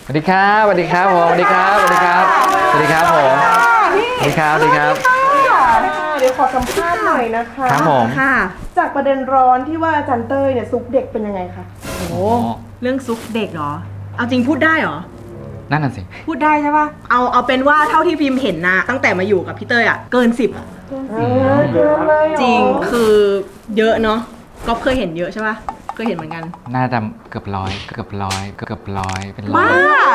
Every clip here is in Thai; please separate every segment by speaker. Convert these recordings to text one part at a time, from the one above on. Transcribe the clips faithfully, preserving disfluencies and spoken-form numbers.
Speaker 1: สวัสดีครับสวัสดีครับผมสวัสดีครับสวัสดีครับสวัสดีครับผมสวัสดีครับสวัสดีครับ
Speaker 2: เดี๋ยวขอสัมภาษณ์หน่อยนะคะ
Speaker 1: ครับผม
Speaker 2: ค่ะ จากประเด็นร้อนที่ว่าอาจารย์เต้ยเนี่ยซุกเด็กเป็นยังไงคะ
Speaker 3: โอ้โหเรื่องซุกเด็กเหรอเอาจริงพูดได้เหรอ
Speaker 1: นั่นน่ะสิ
Speaker 3: พูดได้ใช่ปะเอาเอาเป็นว่าเท่าที่พิมพ์เห็นนะตั้งแต่มาอยู่กับพี่เต้ยอะเกินสิบ
Speaker 2: เออเยอะเลยเหอ
Speaker 3: จริงคือเยอะเนาะก็เคยเห็นเยอะใช่ปะเคยเห็นเหมือนกัน
Speaker 1: น่าจะเกือบร้อยเกือบร้อยเกือบร้อยเป็นร้อ
Speaker 3: บ้าย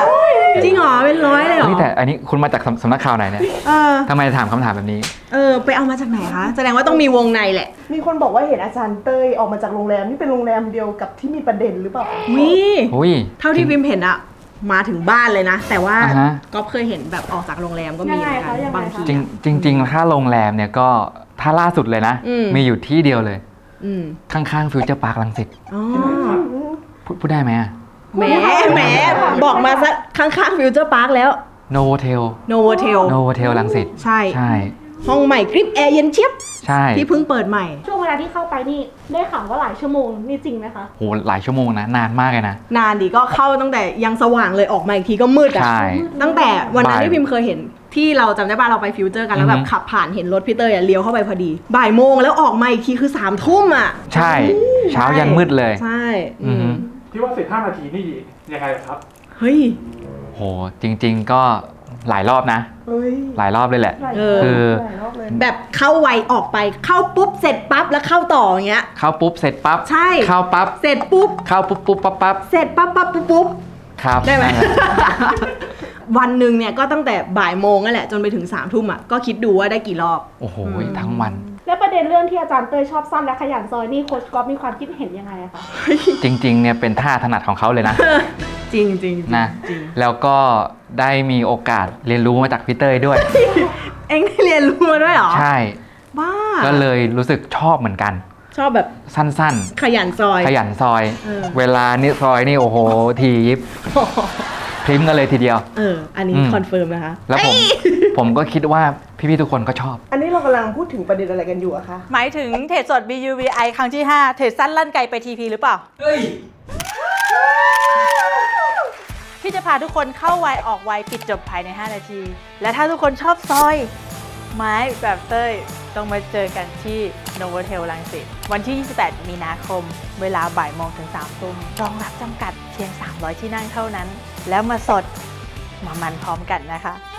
Speaker 3: จริงเหรอเป็นร้อยเลยเหรอ
Speaker 1: เฮ้ยแต่อันนี้คุณมาจากสำสำนักข่าวไหนเนี่ย
Speaker 3: เออ
Speaker 1: ทำไมถามคำถามแบบนี้
Speaker 3: เออไปเอามาจากไหนคะแสดงว่าต้องมีวงในแหละ
Speaker 2: มีคนบอกว่าเห็นอาจารย์เต้ยออกมาจากโรงแรมนี่เป็นโรงแรมเดียวกับที่มีประเด็นหรือเปล่า
Speaker 3: วิ
Speaker 1: อุ้ย
Speaker 3: เท่าที่พิมพ์เห็นอะมาถึงบ้านเลยนะ แต่ว่า
Speaker 1: อ่าฮะ
Speaker 3: ก็เคยเห็นแบบออกจากโรงแรมก็มีเหมือนกันบางที
Speaker 1: จริง
Speaker 3: อะ
Speaker 1: จริงจริงๆถ้าโรงแรมเนี่ยก็ถ้าล่าสุดเลยนะ
Speaker 3: อืม
Speaker 1: มีอยู่ที่เดียวเลย
Speaker 3: อืม
Speaker 1: ข้างๆฟิวเจอร์พาร์คลังสิต
Speaker 3: อ๋อ
Speaker 1: พูดพูดได้ไหมอะ
Speaker 3: แหมแหมบอกมาซะข้างๆฟิวเจอร์พาร์คแล้ว
Speaker 1: โนโวเทล
Speaker 3: โนโวเทล
Speaker 1: โนโวเทลลังสิต
Speaker 3: ใช่
Speaker 1: ใช่
Speaker 3: ห้องใหม่กริปแอร์เย็นเชียบ
Speaker 1: ใช่
Speaker 3: ที่เพิ่งเปิดใหม่
Speaker 4: ช่วงเวลาที่เข้าไปนี่ได้ข่าวว่าหลายชั่วโมงนี่จริงไหมคะ
Speaker 1: โหหลายชั่วโมงนะนานมากเลยนะ
Speaker 3: นานดิก็เข้าตั้งแต่ยังสว่างเลยออกมาอีกทีก็มืดอ่ะ
Speaker 1: ใช่
Speaker 3: ตั้งแต่วันนั้น
Speaker 1: บ่าย
Speaker 3: ที่พิมเคยเห็นที่เราจำได้ป่ะเราไปฟิวเจอร์กันแล้วแบ
Speaker 1: อื
Speaker 3: บ
Speaker 1: อฮึ
Speaker 3: ขับผ่านเห็นรถพี่เตยอ่ะเลี้ยวเข้าไปพอดี บ่ายโมงแล้วออกมาอีกทีคือสามทุ่มอ่ะ
Speaker 1: ใช่ เช้ายันมืดเลย
Speaker 3: ใช่
Speaker 1: อือฮึ
Speaker 5: ที่ว่าสิบห้านาทีนี่ยังไงครับ
Speaker 3: เฮ้ย
Speaker 1: โหจริง ๆ ก็หลายรอบนะ
Speaker 2: เฮ้ย
Speaker 1: หลายรอบเลยแหละ
Speaker 2: หลาย
Speaker 3: เออ
Speaker 1: คือ
Speaker 2: หลายรอบเลย
Speaker 3: แบบเข้าไวออกไปเข้าปุ๊บเสร็จปั๊บแล้วเข้าต่ออย่างเงี้ย
Speaker 1: เข้าปุ๊บเสร็จปั๊บ
Speaker 3: ใช่
Speaker 1: เข้าปั๊บ
Speaker 3: เสร็จปุ๊บ
Speaker 1: เข้าปุ๊บปุ๊บปั๊บปั๊บ
Speaker 3: เสร็จปั๊บปั๊บปุ๊บปุ๊บ
Speaker 1: ครับ
Speaker 3: ได้ไหม
Speaker 1: นั่นแหละ
Speaker 3: วันหนึ่งเนี่ยก็ตั้งแต่บ่ายโมงนั่นแหละจนไปถึงสามทุ่มอ่ะก็คิดดูว่าได้กี่รอบ
Speaker 1: โอ้โห
Speaker 3: อืม
Speaker 1: ทั้งวัน
Speaker 4: และประเด็นเรื่องที่อาจารย์เต้ยชอบซ่อนและขยันซอยนี่โค้ชก๊อฟมีความคิดเห็นยังไงอะคะ
Speaker 1: จริง ๆ เนี่ยเป็นท่าถนัดของเขาเลยนะ
Speaker 3: จริงจริง
Speaker 1: นะ
Speaker 3: จริง
Speaker 1: แล้วก็ได้มีโอกาสเรียนรู้มาจากพี่เต้ยด้วย
Speaker 3: เอ็งได้เรียนรู้มาด้วยเหรอ
Speaker 1: ใช่
Speaker 3: บ้า
Speaker 1: ก็เลยรู้สึกชอบเหมือนกัน
Speaker 3: ชอบแบบ
Speaker 1: สั้น
Speaker 3: ขยันซอย
Speaker 1: ๆ ขยันซอย
Speaker 3: เออ
Speaker 1: เวลานี่ซอยนี่โอ้โห ทียิบพริมกันเลยทีเดียว
Speaker 3: เออ อันนี้
Speaker 1: อืม
Speaker 3: คอนเฟิร์มนะคะ
Speaker 1: แล้วผม ผมก็คิดว่าพี่ๆทุกคนก็ชอบ
Speaker 2: อันนี้เรากำลังพูดถึงประเด็นอะไรกันอยู่อะคะ
Speaker 6: หมายถึงเทรดสด บี ยู วี ไอ ครั้งที่ ห้า เทรดสั้นลั่นไกลไป ที พี หรือเปล่า ที่จะพาทุกคนเข้าไวออกไวปิดจบภายใน ห้า นาที และถ้าทุกคนชอบซอย ไม้แบบเต้ย ต้องมาเจอกันที่โนโวเทลลังสิตวันที่ ยี่สิบแปด มีนาคม เวลาบ่ายโมงถึงสามทุ่มรองรับจำกัดเพียง สามร้อย ที่นั่งเท่านั้น แล้วมาสดมามันพร้อมกันนะคะ